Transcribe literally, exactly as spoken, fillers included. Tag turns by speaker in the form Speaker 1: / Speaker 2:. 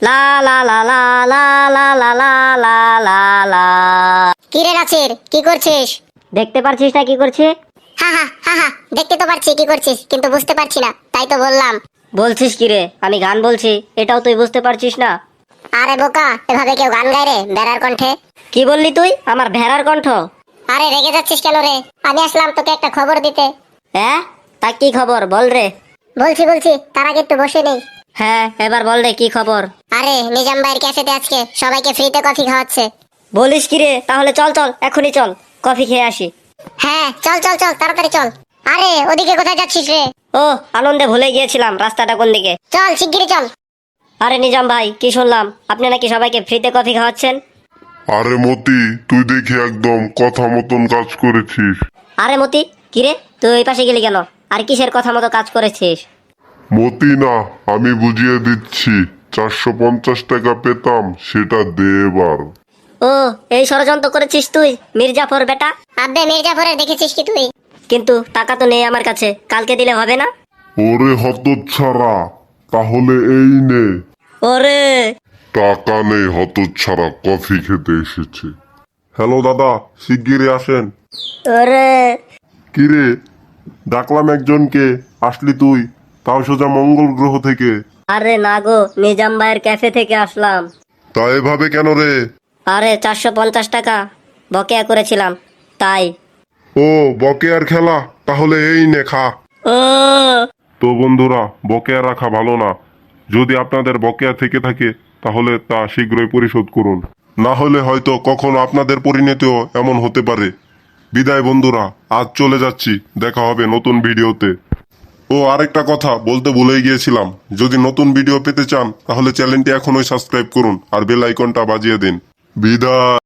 Speaker 1: লা লা লা লা লা লা লা লা লা লা লা।
Speaker 2: কি রে নাছির, কি করছিস?
Speaker 1: দেখতে পারছিস না কি করছি?
Speaker 2: হা হা হা হা, দেখতে তো পারছি কি করছিস, কিন্তু বুঝতে পারছি না, তাই তো বললাম।
Speaker 1: বলছিস কি রে, আমি গান বলছি, এটাও তুই বুঝতে পারছিস না?
Speaker 2: আরে বোকা, এভাবে কেউ গান গায় রে বেড়ার কণ্ঠে?
Speaker 1: কি বললি তুই, আমার ভেড়ার কণ্ঠ?
Speaker 2: আরে রেগে যাচ্ছিস কেন রে? আমি আসলাম তোকে একটা খবর দিতে।
Speaker 1: হ্যাঁ, তা কি খবর বল রে।
Speaker 2: বলছি বলছি, তার আগে একটু বসে নেই।
Speaker 1: হ্যাঁ, এবার বল রে কি খবর।
Speaker 2: আরে নিজাম ভাইয়ের ক্যাফেতে আজকে সবাইকে ফ্রিতে কফি খাওয়াচ্ছে।
Speaker 1: বলিস কি রে, তাহলে চল চল, এখনই চল, কফি খেয়ে আসি।
Speaker 2: হ্যাঁ চল চল চল, তাড়াতাড়ি চল। আরে ওদিকে কোথায় যাচ্ছিস রে?
Speaker 1: ও, আনন্দে ভুলে গিয়েছিলাম রাস্তাটা কোন দিকে।
Speaker 2: চল শিগগিরই চল।
Speaker 1: আরে নিজাম ভাই, কি শুনলাম আপনি নাকি সবাইকে ফ্রিতে কফি খাওয়াচ্ছেন?
Speaker 3: আরে মতি, তুই দেখি একদম কথা মতন কাজ করেছিস।
Speaker 1: আরে মতি, কিরে তুই ওই পাশে গেলি কেন? আর কিসের কথা মতো কাজ করেছিস?
Speaker 3: মতি না, আমি বুঝিয়ে দিচ্ছি। চারশো পঞ্চাশ টাকা পেতাম, সেটা দে এবার।
Speaker 1: ও, এই ষড়যন্ত্র করেছিস তুই মির্জাফর বেটা?
Speaker 2: আব্বে মির্জাফরের দেখেছিস কি তুই?
Speaker 1: কিন্তু টাকা তো নেই আমার কাছে, কালকে দিলে হবে না?
Speaker 3: ওরে হতচ্ছাড়া, তাহলে এই নে।
Speaker 1: ওরে,
Speaker 3: টাকা নেই হতচ্ছাড়া, কফি খেতে এসেছে। হ্যালো দাদা, শিগগিরই আসেন।
Speaker 1: ওরে,
Speaker 3: কিরে, ডাকলাম একজনকে, আসলি তুই, তাও সোজা মঙ্গল গ্রহ থেকে।
Speaker 1: আরে না গো, নিজাম ভাইয়ের ক্যাফে থেকে আসলাম।
Speaker 3: তা এভাবে কেন রে?
Speaker 1: আরে চারশো পঞ্চাশ টাকা বকেয়া করেছিলাম, তাই।
Speaker 3: ও, বকেয়ার খেলা, তাহলে এই নে খা।
Speaker 1: ও,
Speaker 3: তো বন্ধুরা, বকেয়া রাখা ভালো না। যদি আপনাদের বকেয়া থেকে থাকে তাহলে তা শীঘ্রই পরিশোধ করুন, না হলে হয়তো কখনো আপনাদের পরিণতিও এমন হতে পারে। বিদায় বন্ধুরা, আজ চলে যাচ্ছি, দেখা হবে নতুন ভিডিওতে। ও আরেকটা কথা বলতে ভুলেই গিয়েছিলাম, যদি নতুন ভিডিও পেতে চান তাহলে চ্যানেলটি এখনই সাবস্ক্রাইব করুন আর বেল আইকনটা বাজিয়ে দিন। বিদায়।